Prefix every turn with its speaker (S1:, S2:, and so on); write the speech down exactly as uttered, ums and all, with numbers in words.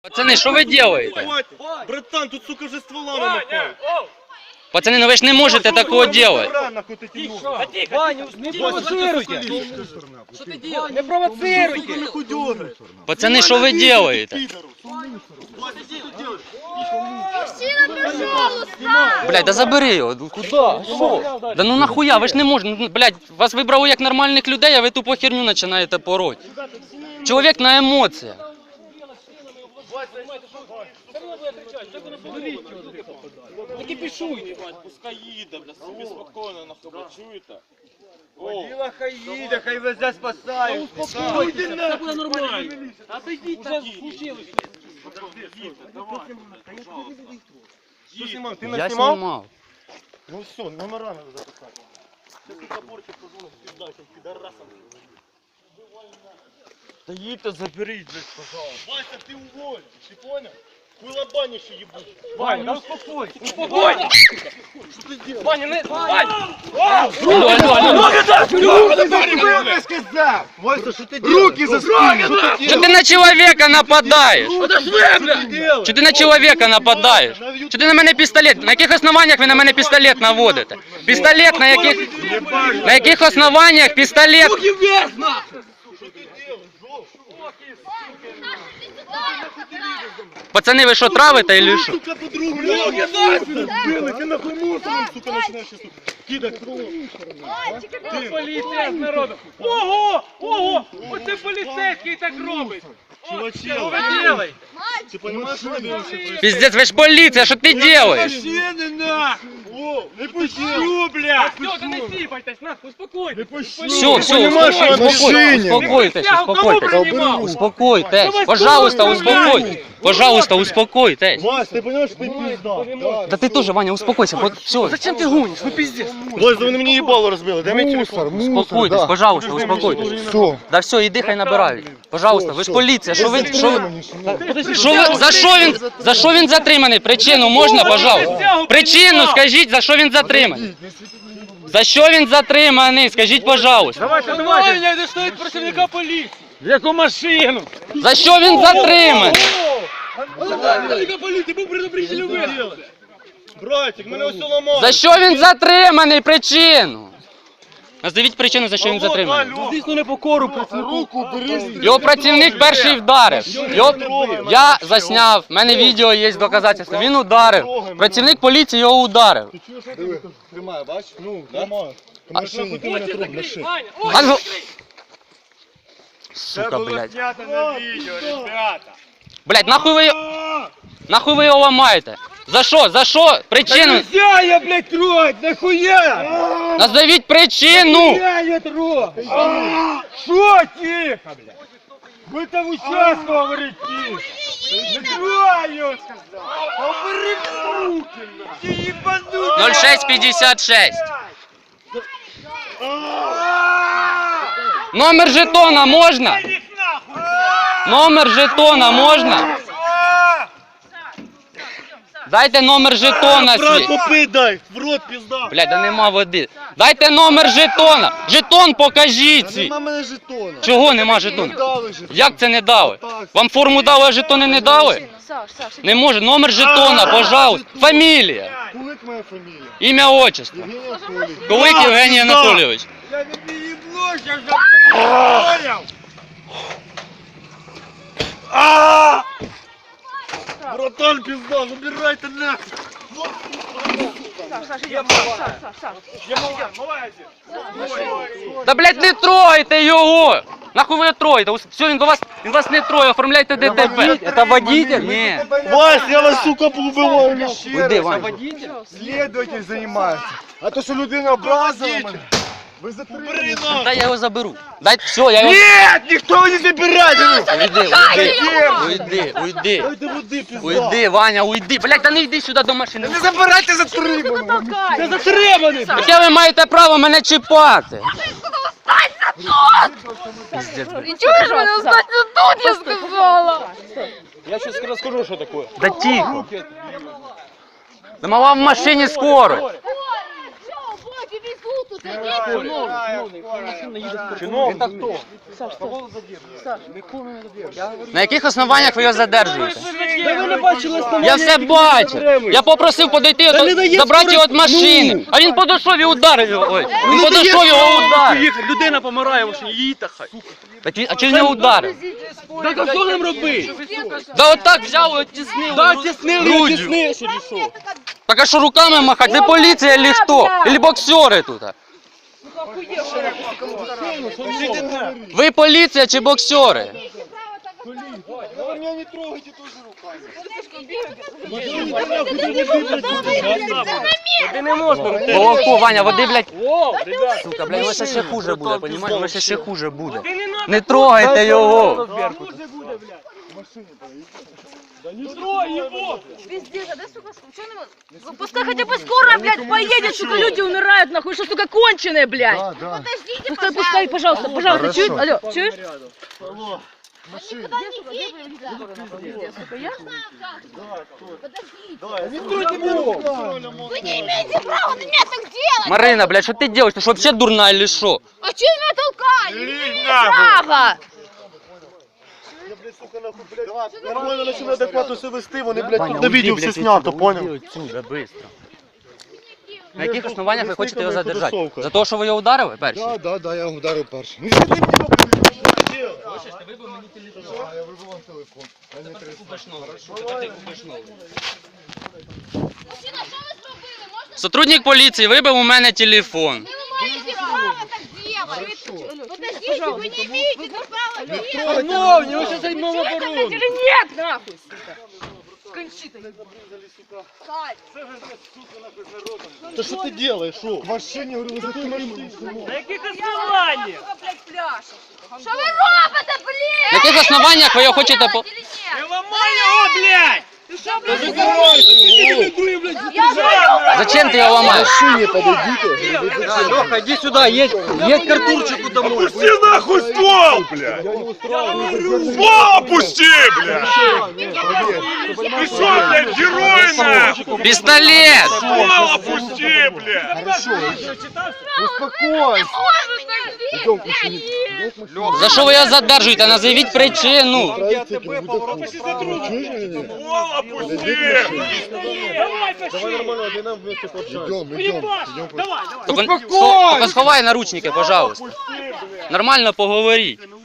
S1: Пацаны, что вы делаете?
S2: Братан, тут, сука, вже стволами нахуй.
S1: Пацаны, ну вы ж не можете такого делать.
S3: Ваня, не провоцируйте! Что ты делаешь? Не провоцируйте!
S1: Пацаны, что вы делаете?
S4: Мужчина, пожалуйста!
S1: Блядь, да забери його. Куда? Що? Да ну нахуя, ви ж не можете. Ну, блядь, вас вибрали як нормальних людей, а ви тупо херню починаєте пороть. Чоловік на емоціях.
S3: Не кипішуйте!
S2: Пускай їде, бля, собі спокійно, нахуй, бля, чуєте?
S3: Водила хай їде, хай везе спасає! Успокойтеся, все буде нормально! Отойдіть, так случилось!
S2: Давай, Що знімав? Ти
S1: Я
S2: не знімав?
S1: знімав.
S2: Ну все, номера надо записати. Це тут заборчик позвонив, піздачим, підарасам. Та їдьте, заберіть, блядь, пожалуйста. Вася, ти уволен, ти понял? Хуйлобанище ебуть.
S3: Ваня, да успокойся! Успокойся!
S2: Що ти делаешь?
S3: Ваня, не... Ваня!
S1: Алло, алло, алло.
S2: Вася, що ти делаешь? Руки за спину!
S1: Чого ти на чоловіка нападаєш? Чого ти на чоловіка нападаєш? Чого ти на мене пістолет? На яких основаннях ви на мене пістолет наводите? Пістолет на яких... На яких основаннях пістолет?
S2: Що ти делаешь, Жов?
S1: Пацани, ви що, травите или що?
S2: Сука, подругу, ноги нахуй! Ти нахуй мусором, сука, починаєш щас тут кидати кров.
S3: Поліція з народу! Ого! Ого! Оце поліцейський так робить!
S2: Чуваче,
S3: Що ви робите?
S2: ти розумієш, що робиш?
S1: Пиздец, ви ж поліція, що ти робиш?
S3: Машини нахуй!
S2: О, не пущу,
S3: Бля! Все, да не сіпайтесь, нахуй, успокойтесь!
S1: Все, все,
S2: Понимаешь, что я
S1: успокойтесь,
S2: на
S1: успокойтесь,
S3: Кому
S1: успокойтесь,
S3: принимал?
S1: успокойтесь, пожалуйста, успокойтесь, пожалуйста, успокойтесь.
S2: Вась, ты понимаешь, что ты пизда?
S1: Да ты тоже, Ваня, успокойся, вот все,
S3: Зачем ты гонишь? Ну пиздец!
S2: Вась, да вы на меня ебало разбили, дай мне телефон.
S1: успокойтесь, пожалуйста, успокойтесь.
S2: Все.
S1: Да все, іди, хай набирають. Пожалуйста, ви ж поліція, що ви, що ви, що ви, за що він, за що він затриманий? Причину можна, пожалуйста? Причину скажіть, за що він затриманий? За що він затриманий? Скажіть, пожалуйста.
S3: Давайте, давайте! Ваня, это стоит працівника поліції! В яку машину?
S1: За що він затриманий?
S3: Працівника поліції, був предупредитель визвали!
S2: Братик, мене все ламало.
S1: За що він затриманий? Причину. Назвіть причину, за що він затриманий.
S3: Звісно, не покору працівнику.
S2: Руку бери.
S1: Його працівник перший вдарив. Його... Я засняв, в мене відео є доказательства. Він ударив. Працівник поліції його ударив.
S2: Тримай, бач? Ну, тримай. Машину ти мене трогнеш.
S3: Ваня,
S1: А ну-
S3: ой!
S1: Сука, блядь.
S2: Снято на відео, ребята.
S1: Блядь, нахуй ви... Нахуй ви його ламаєте? За що? За що? Причину?
S3: Нельзя я, блядь, трогать, нахуя?
S1: Назовіть причину!
S3: Нельзя я трогать! Что тихо, блядь? Вы там участку говорите тихо! Не трогай его, сказал! Убери руки, нахуй! Ты ебанутый!
S1: ноль шесть пятьдесят шесть. Номер жетона можна? Номер жетона можна? Дайте номер жетона
S2: Брат,
S1: свій.
S2: попий дай, в рот пізда.
S1: Блядь, да нема води. Дайте номер жетона. Жетон покажіть свій.
S2: Нема мене жетона.
S1: Чого нема жетона?
S2: Дали жетон.
S1: Як це не дали? Вам форму дали, а жетони не дали?
S4: Саш, Саш,
S1: Не може. Номер жетона, пожалуйста. Фамілія.
S2: Кулик моя фамілія.
S1: Ім'я, отчество.
S2: Євгеній Анатолійович.
S1: Кулик Євгеній Анатолійович.
S3: Я тебе ебло сейчас же понял!
S2: Братан, пізда, забирайте нахуй.
S4: Саш, Саш, идем, Саш, Саш, Саш, Саш.
S3: Я малая, малая здесь!
S1: Та, блядь, не тройте його! Нахуй ви його троїте? Все, він до вас, він вас не троє, оформляйте ДТП.
S3: Это водитель?
S1: Ні.
S2: Вась, я вас, сука, поубиваю.
S1: Уйди, Вань.
S5: Следователь занимается. А то, що людина образила мене. Ви затримали.
S1: Та я його заберу. Дай, все, я його...
S5: Нет, никто не забирает.
S1: Уйди, уйди, уйди, уйди.
S2: Дай води, пізда.
S1: Уйди, Ваня, уйди. Блядь, та не йди сюди до машини.
S5: Не забирайте затриманого.
S4: Толкай!
S3: Затребанный!
S1: Яке ви маєте право мене чіпати? Пиздец, блядь.
S4: И чего же меня останься тут, я сказала?
S3: Я сейчас расскажу, что такое.
S1: Да тихо. Да мала в машині скоро.
S4: Что, боги везут тут
S3: Чиновник. Это кто?
S4: Саш, Саш,
S1: На яких основаннях ви його задержуєте?
S3: Да ви не бачили основання,
S1: Я все
S3: які
S1: бачив.
S3: затримують.
S1: Я попросив подойти,
S3: Та не
S1: ото-
S3: дає
S1: забрати його від
S3: скорості.
S1: машини.
S3: Ну.
S1: А він подійшов і ударив його. Ой, він
S3: Не дає
S1: подійшов його
S3: скорості
S1: ударив.
S3: їхати. Людина помирає, ви що, її та хай.
S1: Так він- А чи він його ударив?
S3: Так а що нам робити?
S1: Да отак взяв і оттіснив.
S3: Да,
S1: гру-
S3: тіснили,
S1: груддю.
S3: тіснили, що рішов.
S1: Так а що руками махати? Ви поліція чи хто? Или боксери тут? Ви поліція чи боксери?
S5: Вы меня не трогайте тоже руками.
S3: Ти не можна.
S1: Головку, Ваня, води, блядь.
S3: О, ребят.
S1: Сука, блядь, воно ще ще хуже буде, понімаєш? Воно ще ще хуже буде. Не трогайте його.
S3: Не трой его.
S4: Пиздец, а да, сука, что не может? Пускай хотя бы скорая, блядь, поедет, сука, люди умирают, нахуй, что, сука, конченые, блядь.
S5: Да, да.
S4: Подождите, пускай, пускай, пожалуйста, пожалуйста,
S5: Хорошо.
S4: чуешь? Алло, чуешь?
S5: Машина.
S4: Сука, я?
S5: Не трогайте меня руками.
S6: Вы не имеете права на меня так делать!
S1: Марина, блядь, що ти робиш? Ти що, взагалі дурна или що?
S6: А че меня толкали? Не имеете права!
S5: Я, блядь, сука, нахуй, блядь. Нормально начинаю адекватно себе вести, вони, блядь, тут на відео все снято, понял?
S1: Отсюда, быстро. На яких основаннях ви хочете його задержати? За те, що ви його ударили перші?
S5: Да, да, да, я ударив перший. Не сиди мені в руки.
S1: Хочеш, ти вибив мені телефон.
S5: А, я вибив вам телефон. А не три.
S6: Мужчина, что вы зробили? Можно
S1: Сотрудник поліції вибив у мене телефон.
S6: вы не имеете права так делать? Подождите, вы не имеете права делать!
S3: Шановні, ви ще займемо
S4: Или
S3: оборону.
S4: нет, нахуй, сука. Кончи ты.
S5: Та що ти робиш, що? В машині, говорю, ви закрили машину.
S3: На яких основаннях?
S4: Сука, блядь, пляж.
S6: Что вы робите, блин?
S1: На яких основаннях ви його хочете по...
S6: Или нет?
S3: Не ламай його, блядь!
S1: Зачем ти його
S5: В
S1: ламаєш?
S5: машині подойдите.
S3: Леха, иди сюда, едь, едь к Артурчику домой.
S2: Пусти нахуй ствол, блядь! Ствол опусти, блядь! Ты что, блядь, герой нахуй?
S1: Пістолет!
S2: Ствол опусти, блядь!
S5: Хорошо. Успокойся. Идем к машине. Идем к машине.
S1: За що ви його задержуєте? Назовіть причину.
S5: Правильно, будет отпуск. Чуешь меня?
S2: Ствол опусти!
S3: Давай нормально, один нам вместе
S5: Идем, идем. Идем к машине.
S1: Тільки сховай наручники, пожалуйста. Нормально поговоріть.